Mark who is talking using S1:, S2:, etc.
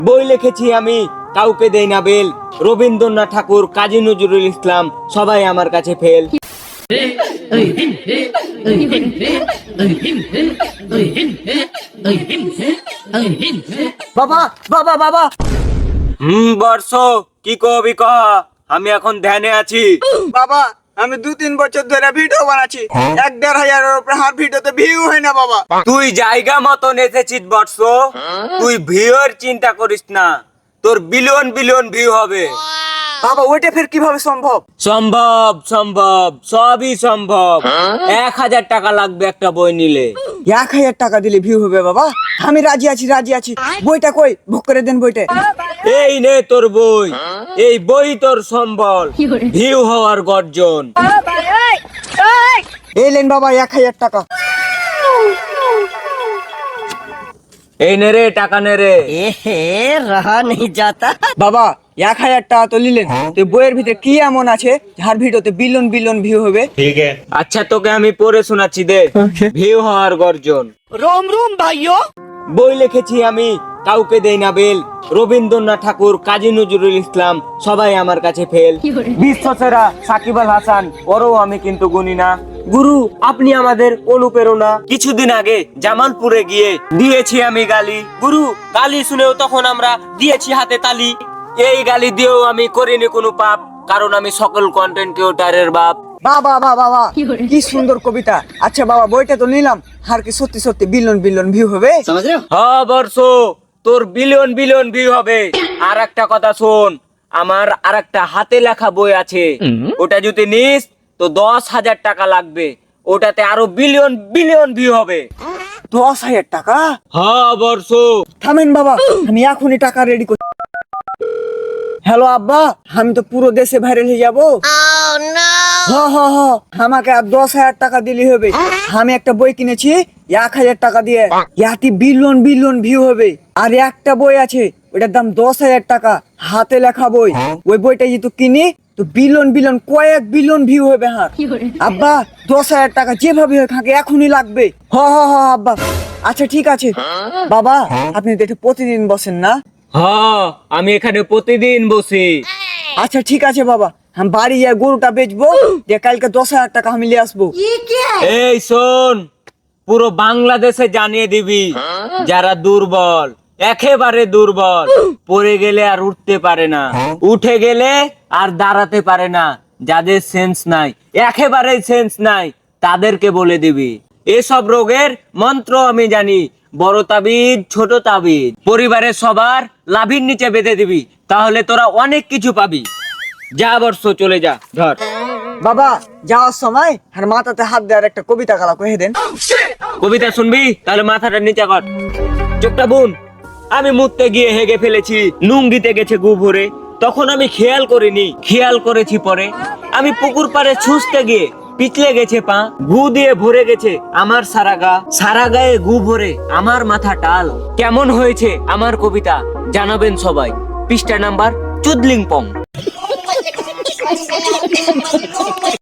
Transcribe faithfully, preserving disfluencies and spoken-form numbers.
S1: বই লিখেছি আমি, কাউকে দেই না বেল। রবীন্দ্রনাথ ঠাকুর, কাজী নজরুল ইসলাম, সবাই আমার কাছে ফেল।
S2: বাবা বাবা বাবা
S1: হুম বর্ষ, কি কবি কহ, আমি এখন ধ্যানে আছি।
S2: বাবা আমি দু তিন বছর ধরে ভিডিও বানাচ্ছি, এক দেড় হাজারের উপরে হার ভিডিওতে ভিউ হয় না বাবা।
S1: তুই জায়গা মতন এসেছিস বর্ষ, তুই ভিউর চিন্তা করিস না, তোর বিলিয়ন বিলিয়ন ভিউ হবে।
S2: বাবা ওইটা ফের কিভাবে সম্ভব?
S1: সম্ভব সম্ভব, সবই সম্ভব। এক হাজার টাকা লাগবে একটা বই নিলে।
S2: এক হাজার টাকা দিলে ভিউ হবে বাবা? আমি রাজি আছি রাজি আছি। বইটা কই, বুক করে দেন বইটা।
S1: এই নে তোর বই, এই বই তোর সম্বল, ভিউ হওয়ার গর্জন।
S2: এই লেন বাবা এক হাজার টাকা।
S1: এই নে রে টাকা নে রে।
S3: रहा नहीं जाता।
S2: বাবা এক হাজার টাকা তো নিলেন, তো বইয়ের ভিতরে কি এমন আছে যার ভিডিওতে বিলিয়ন বিলিয়ন ভিউ হবে?
S1: আচ্ছা তোকে আমি পড়ে শোনাচ্ছি দে, ভিউ হওয়ার গর্জন।
S3: रोम रोम भाइयों।
S1: বই লিখেছি আমি, কাউকে দেই না বেল। রবীন্দ্রনাথ ঠাকুর, কাজী নজরুল ইসলাম, সবাই আমার কাছে ফেল। বিশ্ব সেরা সাকিব আল হাসান, ওরও আমি কিন্তু গুনি না। গুরু আপনি আমাদের অনুপ্রেরণা। কিছুদিন আগে জামালপুরে গিয়ে দিয়েছি আমি গালি। গুরু গালি শুনেও তখন আমরা দিয়েছি হাতে তালি। এই গালি দিয়েও আমি করিনি কোনো পাপ, কারণ আমি সকল কন্টেন্ট ক্রিয়েটরের বাপ।
S2: বাবা বাবা বাবা কি সুন্দর কবিতা। আচ্ছা বাবা বইটা তো নিলাম, আর কি সত্যি সত্যি বিলিয়ন বিলিয়ন ভিউ হবে?
S3: समझ रहे हो?
S1: হ্যাঁ বর্ষ, তোর বিলিয়ন বিলিয়ন ভিউ হবে। আর একটা কথা শোন, আমার আর একটা হাতে লেখা বই আছে, ওটা যদি নিস তো দশ হাজার টাকা লাগবে, ওটাতে আরো বিলিয়ন বিলিয়ন ভিউ হবে।
S2: দশ হাজার টাকা?
S1: হ্যাঁ বর্ষ।
S2: থামেন বাবা, আমি এখনই টাকা রেডি করছি। হ্যালো আব্বা, আমি তো পুরো দেশে ভাইরাল হয়ে যাবো। হ হ হ আমাকে আর দশ হাজার টাকা দিলে হবে। আমি একটা বই কিনেছি এক হাজার টাকা দিয়ে, ইয়াতে বিলিয়ন বিলিয়ন ভিউ হবে। আর একটা বই আছে ওটার দাম দশ হাজার টাকা, হাতে লেখা বই। ওই বইটা যদি কিনি তো বিলিয়ন বিলিয়ন কয়েক বিলিয়ন ভিউ হবে। হ্যাঁ আব্বা, দশ হাজার টাকা যেভাবে হোক আমাকে এখনই লাগবে। হ হ হ আব্বা। আচ্ছা ঠিক আছে বাবা, আপনি তো এটা প্রতিদিন বসেন না?
S1: হ্যাঁ আমি এখানে প্রতিদিন বসি।
S2: আচ্ছা ঠিক আছে বাবা, আমি বাড়ি যাই গরুটা বেচবো, দিয়ে কালকে দশ হাজার টাকা আমি নিয়ে আসবো।
S1: এই শোন, পুরো বাংলাদেশে জানিয়ে দিবি যারা দুর্বল, একেবারে দুর্বল, পড়ে গেলে আর উঠতে পারে না, উঠে গেলে আর দাঁড়াতে পারে না, যাদের সেন্স নাই, একেবারে সেন্স নাই, তাদেরকে বলে দিবি এসব রোগের মন্ত্র আমি জানি। বড় তাবিজ ছোট তাবিজ পরিবারের সবার লাভির নিচে বেঁধে দিবি, তাহলে তোরা অনেক কিছু পাবি। যা বর্ষ চলে যা, ধর।
S2: বাবা যাওয়ার সময় আর মাথাতে হাত দেওয়ার একটা কবিতা গালা কহে দেন।
S1: কবিতা শুনবি? তাহলে মাথাটা নিচে কর, চোখটা বুন। আমি মুততে গিয়ে হেগে ফেলেছি, নুন দিতে গেছে গু ভরে, তখন আমি খেয়াল করিনি, খেয়াল করেছি পরে। আমি পুকুর পাড়ে ছুঁচতে গিয়ে পিছলে গেছে পা, গু দিয়ে ভরে গেছে আমার সারা গা, সারা গায়ে গু ভরে আমার মাথা টাল। কেমন হয়েছে আমার কবিতা জানাবেন সবাই। পৃষ্ঠা নাম্বার চুদলিং পং।